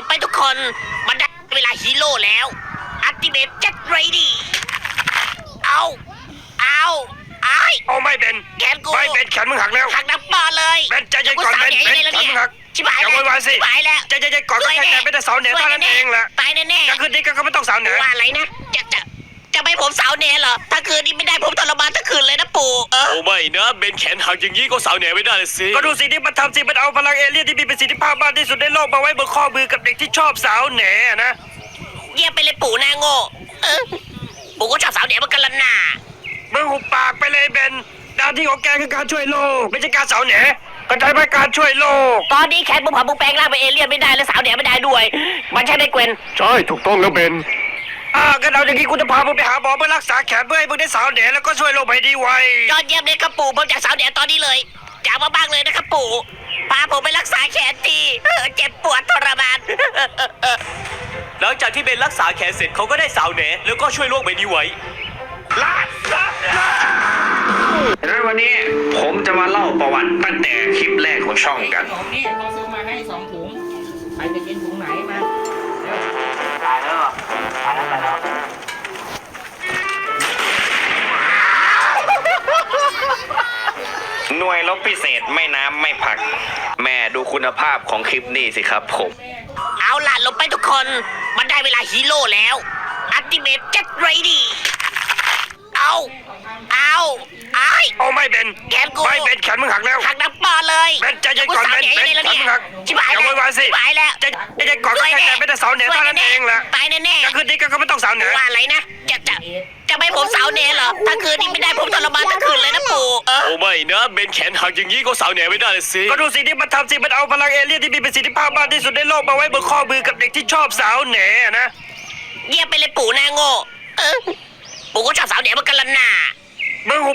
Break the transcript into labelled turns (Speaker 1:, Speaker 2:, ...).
Speaker 1: ไปทุกคนมันได้เวลาฮีโร่แล้วอัลติเมทเจ็ตเรดี้เอาไอ้
Speaker 2: โอ้ไม่เบน
Speaker 1: แขนกู
Speaker 2: ไม่เบนแขนมึงหักแล้ว
Speaker 1: หักน้ำปอเลย
Speaker 2: เบนใจเย็นก่อนเบน
Speaker 1: กูสาว
Speaker 2: เบน
Speaker 1: แหย่
Speaker 2: แขนมึงหัก
Speaker 1: ชิบหาย
Speaker 2: อย่า
Speaker 1: แล้ว
Speaker 2: โวยวายสิ
Speaker 1: ชิบหายแล้ว
Speaker 2: ใจเย็นๆก่อนก็แค่แกไม่ได้สาวเหนือเท่านั้นเองแหละ
Speaker 1: ตายแน่
Speaker 2: กลางคืนนี้ก็ไม่ต้องสาวเหนือ
Speaker 1: ว่าอะไรนะจะไม่ผมสาวเนเหรอถ้าคืนนี้ไม่ได้ผมทรมานทั้งคืนเลยนะปู่
Speaker 3: โอ้ไม่นะเบนแขนหักอย่างนี้ก็สาวเหนือไม่ได้เลยสิ
Speaker 2: ก็ดูสิที่มันทำสิมันเอาพลังเอเลี่ยนที่มีประสิทธิภาพมากที่สุดในโลกมาไว้บนข้อมือกับเด็กที่ชอบสาวเหนือนะ
Speaker 1: เยี่ยมไปเลยปู่หน้าโง่ปู่ก็ชอบสาวเนเหมือนกันละน่า
Speaker 2: มึงหุบปากไปเลยเบนหน้าที่ของแกคือการช่วยโลกไม่ใช่การสาวเหนือก็ใช้ไปการช่วยโลก
Speaker 1: ตอนนี้แขนมึงผ่ามึงแปลงร่างเป็นเอเลี่ยนไม่ได้และสาวเนไม่ได้ด้วยมันใช่ไหมเกวน
Speaker 2: ใช่ถูกต้องแล้วเบนกันเอาอย่างนี้กูจะพามึงไปหาหมอเพื่อรักษาแขนเพื่อให้มึงได้สาวเหนือแล้วก็ช่วยโลกให้ดีไว
Speaker 1: ยอดเยี่ยมเลยครับปู่ผมจากสาวเนตอนนี้เลยอยากมาบ้างเลยนะครับปู่พาผมไปรักษาแขนทีเจ็บปวดทรมาน
Speaker 3: หลังจากที่เบนรักษาแขนเสร็จเขาก็ได้สาวเหนือแล้วก็ช่วยโลกใบนี้ไว้
Speaker 2: งั้นวันนี้ผมจะมาเล่าประวัติตั้งแต่คลิปแรกของช่องกัน
Speaker 4: ถุงนี่เขาซื้อมาให้2 ถุงใครจะกินถุงไหนมา
Speaker 2: หน่วยรบพิเศษไม่น้ำไม่ผัก แม่ดูคุณภาพของคลิปนี้สิครับผม
Speaker 1: เอาล่ะลงไปทุกคนมันได้เวลาฮีโร่แล้วอัลติเมทเจ็ตเรดี้เอาไอ้
Speaker 2: โอ้ไม่เบน
Speaker 1: แขนกู
Speaker 2: ไม่เบนแขนมึงหักแล้ว
Speaker 1: หักน้ำปอเลย
Speaker 2: เบนใจเย็นก่อนเบน
Speaker 1: กูสาว
Speaker 2: เบน
Speaker 1: แหย่
Speaker 2: แขนมึงหัก
Speaker 1: ชิบหาย
Speaker 2: อย่า
Speaker 1: แล้ว
Speaker 2: โวยวายสิ
Speaker 1: ชิบหายแล้ว
Speaker 2: ใจเย็นก่อนก็แค่แกไม่ได้สาวเหนือเท่านั้นเองแหละ
Speaker 1: ตายแน่
Speaker 2: กลางคืนนี้ก็ไม่ต้องสาวเหนือ
Speaker 1: ว่าอะไรนะจะไม่ผมสาวเนเหรอถ้าคืนนี้ไม่ได้ผมทรมานทั้งคืนเลยนะปู่
Speaker 3: โอ้ไม่นะเบนแขนหักอย่างนี้ก็สาวเหนือไม่ได้เลยสิ
Speaker 2: ก็ดูสิที่มันทำสิมันเอาพลังเอเลี่ยนที่มีประสิทธิภาพมากที่สุดในโลกมาไว้บนข้อมือกับเด็กที่ชอบสาวเหนือนะ
Speaker 1: เยี่ยมไปเลยปู่หน้าโง่ปู่ก็ชอบสาวเนเหมือนกันละน่า
Speaker 2: มึงหุ